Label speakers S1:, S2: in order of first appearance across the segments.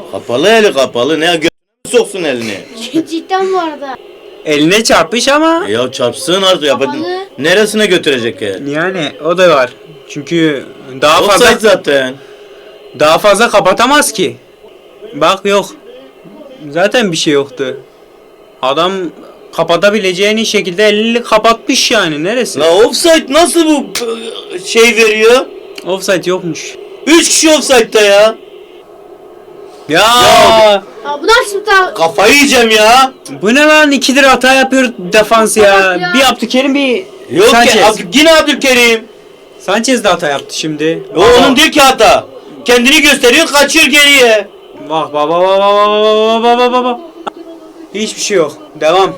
S1: Kapalı eli kapalı. Ne götüne soksun elini?
S2: Cidden bu arada.
S3: Eline çarpmış ama.
S1: Ya çarpsın artık ya.
S2: Kapalı.
S1: Neresine götürecek ya?
S3: Yani o da var. Çünkü daha
S1: Offside
S3: fazla
S1: zaten.
S3: kapatamaz ki. Bak yok. Zaten bir şey yoktu. Adam kapatabileceğini şekilde elini kapatmış yani. Neresi?
S1: La offside nasıl bu şey veriyor?
S3: Offside yokmuş.
S1: 3 kişi offside'da ya.
S3: Ya,
S2: Ya bu nasıl bir
S1: Kafayı yiyeceğim ya.
S3: bu ne lan? 2'dir hata yapıyor defans ya.
S2: Evet ya.
S3: Bir Abdülkerim bir
S1: Yok
S3: Sanchez.
S1: ki yine Abdülkerim.
S3: Sanchez de hata yaptı şimdi.
S1: O onun değil ki hata. Kendini gösteriyor, kaçıyor geriye.
S3: Bak baba. Hiçbir şey yok. Devam.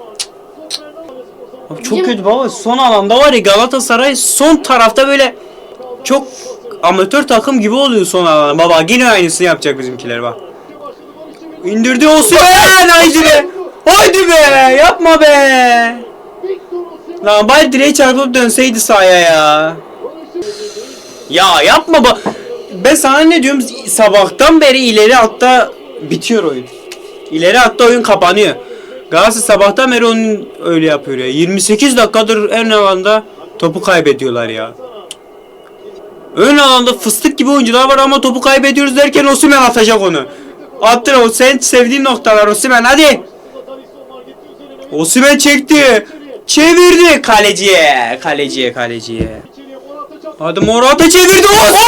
S3: Abi çok kötü baba. Son alanda var ya, Galatasaray son tarafta böyle çok amatör takım gibi oluyor son alanda. Baba yine aynısını yapacak bizimkiler bak. İndirdi Osimhen, haydi be. Haydi be, yapma be. Lan bari direğe çarpıp dönseydi sahaya ya. Ya yapma bak. Ben sana ne diyorum, sabahtan beri ileri hatta bitiyor oyun. İleri hatta oyun kapanıyor. Galatasaray sabahtan beri onun öyle yapıyor ya. 28 dakikadır ön alanda topu kaybediyorlar ya. Ön alanda fıstık gibi oyuncular var ama topu kaybediyoruz derken Osimhen atacak onu. Attır o sen sevdiğin noktalar Osimhen, hadi. Osimhen çekti. Çevirdi kaleciye. Kaleciye. Hadi Morata çevirdi.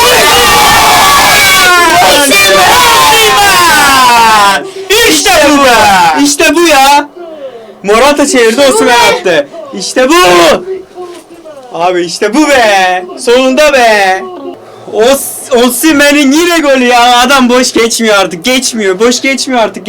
S3: İşte bu be. İşte bu ya. Morata çevirdi, Osimhen attı. İşte bu. Abi işte bu be. Sonunda be. Osimhen'in yine golü ya. Adam boş geçmiyor artık. Boş geçmiyor artık.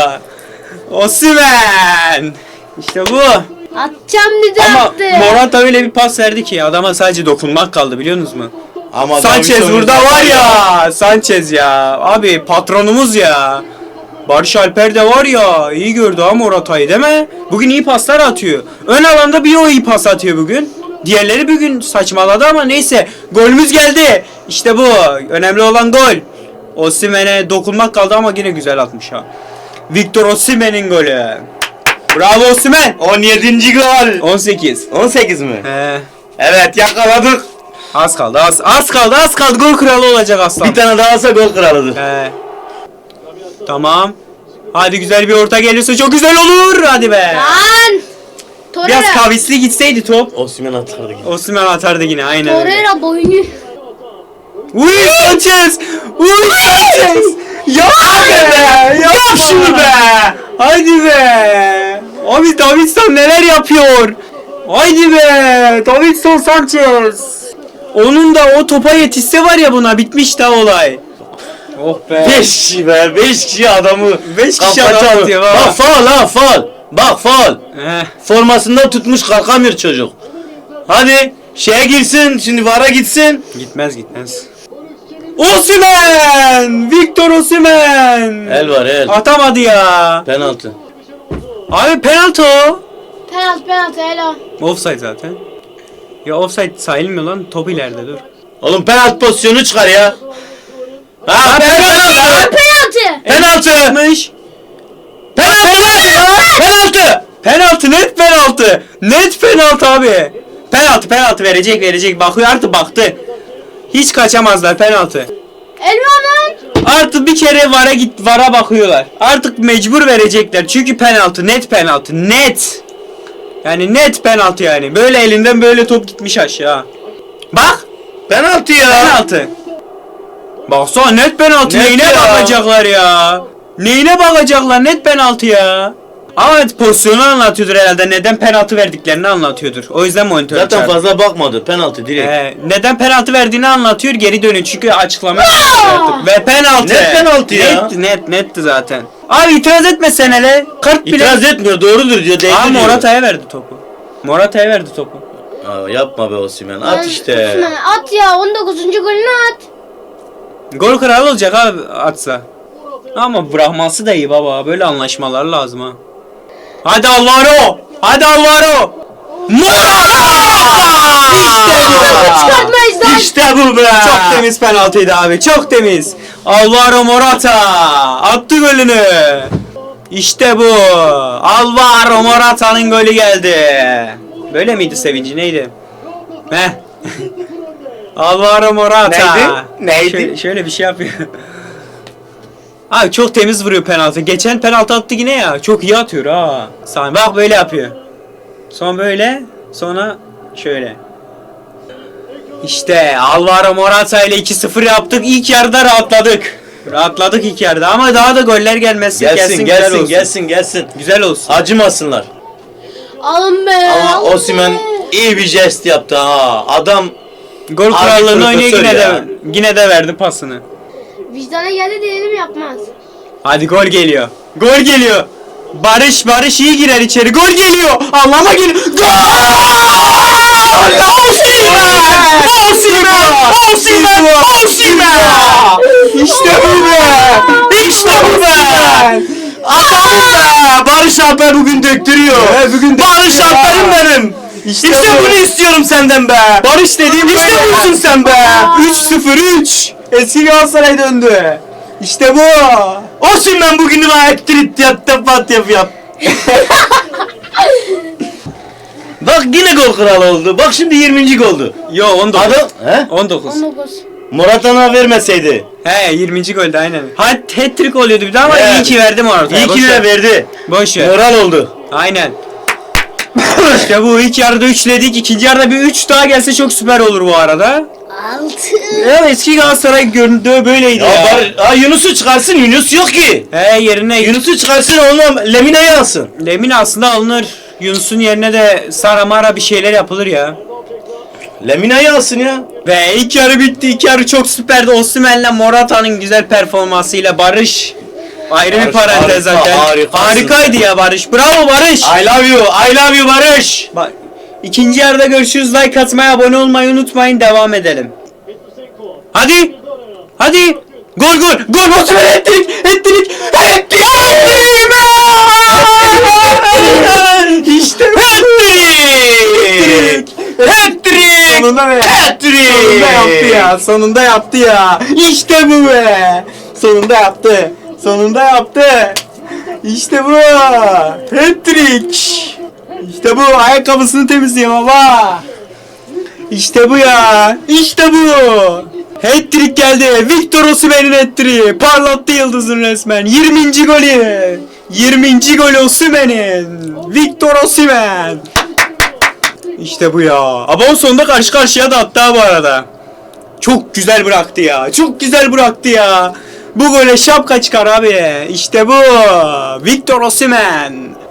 S3: Osimhen. İşte bu.
S2: atacağım dedi
S3: Ama
S2: attı.
S3: Morata öyle bir pas verdi ki adama sadece dokunmak kaldı, biliyor musunuz mu?
S1: Ama
S3: Sanchez
S1: Davinson
S3: burada var ya. Sanchez ya. Abi patronumuz ya. Barış Alper de var ya. İyi gördü ha Morata'yı, değil mi? Bugün iyi paslar atıyor. Ön alanda bir o iyi pas atıyor bugün. Diğerleri bugün saçmaladı ama neyse. Golümüz geldi. İşte bu. Önemli olan gol. Osimhen'e dokunmak kaldı ama yine güzel atmış ha. Victor Osimhen'in golü. Bravo Osimhen.
S1: 17. gol.
S3: 18.
S1: 18 mi?
S3: He.
S1: Evet, yakaladık.
S3: Az kaldı. Gol kralı olacak aslan.
S1: Bir tane daha olsa gol kralıdır.
S3: He. Tamam. Hadi güzel bir orta gelirse çok güzel olur. Hadi be.
S2: Lan.
S3: Biraz
S2: Torreira.
S3: kavisli gitseydi top.
S1: Osimhen atardı.
S3: Osimhen atardı yine, aynen öyle.
S2: Torreira boynu.
S3: Uy Sanchez. Yapma be. Yap şunu be. Haydi be. Abi Davinson neler yapıyor. Haydi be. Davinson Sanchez. Onun da o topa yetişse var ya, buna bitmiş daha olay. Oh be.
S1: 5 kişi be, 5 kişi adamı.
S3: 5 kişi
S1: kafa
S3: adam
S1: çarptı.
S3: atıyor
S1: Bak
S3: baba.
S1: faul ha, faul. Bak faul.
S3: Heh.
S1: Formasında tutmuş, kalkamıyor çocuk. Hadi şeye girsin, şimdi VAR'a gitsin.
S3: Gitmez. Osimhen! Victor Osimhen!
S1: El var el.
S3: Atamadı ya.
S1: Penaltı.
S3: Abi penaltı o.
S2: Penaltı helal.
S3: Offside zaten. Ya offside sayılmıyor lan. Top ileride, dur.
S1: Oğlum penaltı pozisyonu çıkar ya. Ha penaltı.
S2: Penaltı.
S1: Penaltı.
S3: Yapmış.
S1: Penaltı.
S3: Penaltı, net penaltı abi. Penaltı verecek. Bakıyor artık, baktı. Hiç kaçamazlar, penaltı.
S2: Elvan'ın.
S3: Artık bir kere VAR'a bakıyorlar. Artık mecbur verecekler. Çünkü net penaltı. Yani net penaltı yani. Böyle elinden böyle top gitmiş aşağı. Bak.
S1: Penaltı ya.
S3: Penaltı. Baksana net penaltı.
S1: Net
S3: Neyine
S1: ya.
S3: bakacaklar ya? Net penaltı ya. Ama pozisyonu anlatıyordur herhalde. Neden penaltı verdiklerini anlatıyordur. O yüzden monitör
S1: Zaten
S3: çağırdı.
S1: fazla bakmadı. Penaltı direkt.
S3: Neden penaltı verdiğini anlatıyor, geri dönüyor çünkü açıklama yapıyor artık. Ve penaltı.
S1: Net penaltı ya.
S3: Netti zaten. Abi itiraz etme sen hele. Kart bile.
S1: İtiraz etmiyor, doğrudur diyor. Değdi
S3: Aa,
S1: diyor.
S3: Morata'ya verdi topu.
S1: Aa, yapma be Osimhen. At işte.
S2: Osimhen, at ya 19. golünü at.
S3: Gol kralı olacak abi atsa. Ama bırakması da iyi baba. Böyle anlaşmalar lazım ha. Hadi Alvaro. Morata! İşte bu.
S2: Çıkartmayız lan.
S3: İşte bu be. Çok temiz penaltıydı abi. Çok temiz. Alvaro Morata attı golünü. İşte bu. Alvaro Morata'nın golü geldi. Böyle miydi sevinci neydi? Heh. Alvaro Morata.
S1: Neydi?
S3: Şöyle bir şey yapıyor. Abi çok temiz vuruyor penaltı. Geçen penaltı attı yine ya. Çok iyi atıyor ha. Sami bak böyle yapıyor. Sonra böyle, sonra şöyle. İşte Alvaro Morata ile 2-0 yaptık. İlk yarıda rahatladık. Rahatladık ilk yarıda ama daha da goller gelmesi
S1: Gelsin
S3: güzel
S1: gelsin
S3: olsun.
S1: gelsin gelsin.
S3: Güzel olsun.
S1: Acımasınlar.
S2: Alın be.
S1: Ama
S2: alın
S1: Osimhen
S2: be.
S1: iyi bir jest yaptı ha. Adam
S3: Gol
S1: Harbi
S3: krallığını oynuyor
S1: profesör
S3: yine
S1: ya.
S3: de yine de verdi pasını.
S2: Vicdana geldi diyelim yapmaz.
S3: Hadi gol geliyor. Gol geliyor. Barış iyi girer içeri. Gol geliyor. Allah'ıma geliyor. Gol! Osimhen! İşte bu be! İşte bu be!
S1: Adamım be! Barış Alper bugün döktürüyor.
S3: bugün
S1: Barış
S3: döktürüyor ha.
S1: Alper'im benim. İşte
S3: bu.
S1: bunu istiyorum senden be.
S3: Barış dediğim
S1: İşte
S3: böyle.
S1: busun sen be.
S3: 3-0-3. Eski Galatasaray döndü. İşte bu.
S1: Osimhen bugün bana ettirit yap yap. Bak yine gol kralı oldu. Bak şimdi 20. goldu.
S3: Yo 19.
S1: Adam he?
S3: 19.
S2: 19.
S1: Morata'na vermeseydi.
S3: He 20. golde aynen. Hat-trick oluyordu bir daha ama
S1: Evet.
S3: iyi ki verdim orada.
S1: İyi ki de verdi.
S3: Boş ver.
S1: Moral oldu.
S3: Aynen. İşte bu ilk yarıda 3'ledik. İkinci yarıda bir 3 daha gelse çok süper olur bu arada.
S2: 6.
S3: Evet eski Galatasaray göründüğü böyleydi ya.
S1: Yunus'u çıkarsın. Yunus yok ki.
S3: He yerine
S1: Yunus'u çıkarsın onunla Lemine'yi alsın.
S3: Lemina aslında alınır. Yunus'un yerine de Saramara bir şeyler yapılır ya.
S1: Lemine'yi alsın ya.
S3: Ve ilk yarı bitti. İlk yarı çok süperdi. Osimhen'le Morata'nın güzel performansıyla Barış ayrı bir
S1: Barış
S3: parantez
S1: harika,
S3: zaten.
S1: harikasın.
S3: Harikaydı ya Barış. Bravo Barış.
S1: I love you Barış.
S3: Bak ikinci yarıda görüşürüz. Like atmayı, abone olmayı unutmayın. Devam edelim. Hadi. Hadi. Gol. Osimhen ettirik. İşte bu. Hat-trick. Sonunda be.
S1: Hat-trick.
S3: Sonunda yaptı ya. İşte bu be. Sonunda yaptı. İşte bu. Hat-trick. İşte bu. Ayakkabısını temizliyor baba. İşte bu ya. İşte bu. Hat-trick geldi. Victor Osimhen'in hat-trick'i. Parlattı yıldızın resmen. 20. golü. 20. gol Osimhen'in. Victor Osimhen. İşte bu ya. Ama sonunda karşı karşıya da attı ha bu arada. Çok güzel bıraktı ya. Bu gole şapka çıkar abi. İşte bu. Victor Osimhen.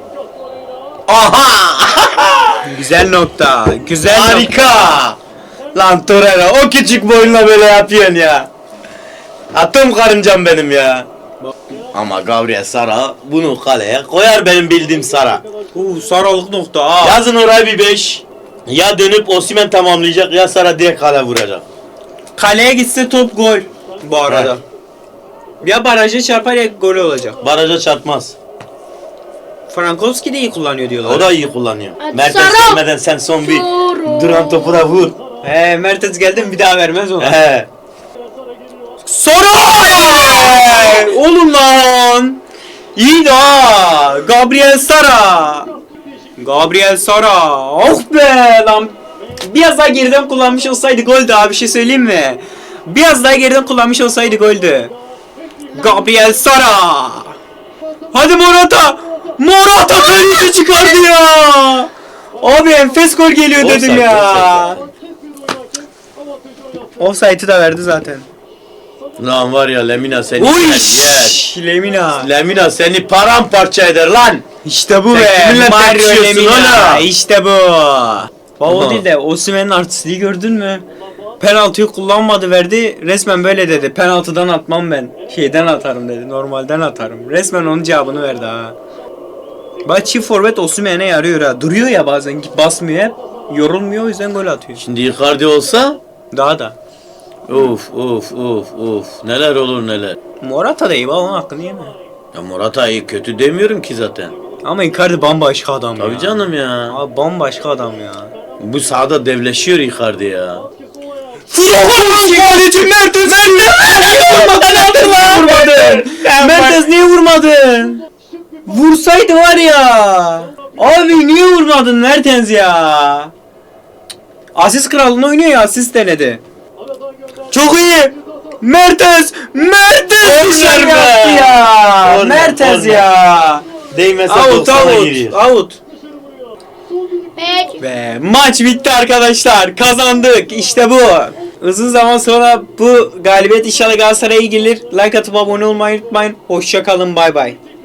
S1: Aha.
S3: Güzel nokta.
S1: Harika. Lan Torreira o küçük boyunla böyle yapıyorsun ya. Atım karıncam benim ya. Ama Gabriel Sara bunu kaleye koyar benim bildiğim Sara.
S3: Sarılık nokta ha.
S1: Yazın oraya bir 5. Ya dönüp Osimhen tamamlayacak ya Sara direkt kale vuracak.
S3: Kaleye gitse top gol bu arada. Ya baraja çarpar ya gol olacak.
S1: Baraja çarpmaz.
S3: Frankowski de iyi kullanıyor diyorlar.
S1: O da iyi kullanıyor.
S2: Hadi
S1: Mertens
S2: Sara.
S1: gelmeden sen son bir
S2: Doğru.
S1: duran topu da vur.
S3: He Mertens geldi mi bir daha vermez ona.
S1: He.
S3: Soru! Oğlum lan! İyi ha! Gabriel Sara! Oh be lan! Biraz daha geriden kullanmış olsaydı goldü abi, bir şey söyleyeyim mi? Biraz daha geriden kullanmış olsaydı goldü. Gabriel Sara! Hadi Morata! Morata kaleci çıkardı ya! Abi enfes gol geliyor dedim
S1: Offside,
S3: ya. Offside'ı da verdi zaten.
S1: Lan var ya Lemina seni
S3: Uy!
S1: yer.
S3: Lemina.
S1: Lemina seni paramparça eder lan.
S3: İşte bu
S1: Sen
S3: be.
S1: kiminle
S3: Mario
S1: tartışıyorsun
S3: Lemina.
S1: oğlum?
S3: İşte bu. O
S1: Aha.
S3: değil de Osimhen'in artistliği gördün mü? Penaltıyı kullanmadı, verdi. Resmen böyle dedi. Penaltıdan atmam ben. Şeyden atarım dedi. Normalden atarım. Resmen onun cevabını verdi ha. Bak çift forvet Osimhen'e yarıyor ha. Duruyor ya bazen, basmıyor hep. Yorulmuyor, o yüzden gol atıyor.
S1: Şimdi Icardi olsa
S3: Daha da.
S1: of neler olur neler.
S3: Morata da iyi, bak onun hakkını yeme.
S1: Ya Morata iyi kötü demiyorum ki zaten.
S3: Ama Icardi bambaşka adam ya.
S1: Tabii canım ya.
S3: Abi bambaşka adam ya.
S1: Bu sahada devleşiyor Icardi ya.
S3: Kaleci Mertens vurmadın. Mertens niye vurmadın? Vursaydı var ya. Abi niye vurmadın Mertens ya? Asist kralını oynuyor ya, asist denedi. Çok iyi. Mertens
S1: Korner be.
S3: yaptı ya.
S1: Korner,
S3: Mertens
S1: korner.
S3: ya.
S1: Değmese
S3: Out
S1: 90'a
S3: out
S1: giriyor.
S3: out.
S2: Peki.
S3: Ve maç bitti arkadaşlar. Kazandık. İşte bu. Uzun zaman sonra bu galibiyet inşallah Galatasaray'a gelir. Like atıp abone olmayı unutmayın. Hoşça kalın. Bay bay.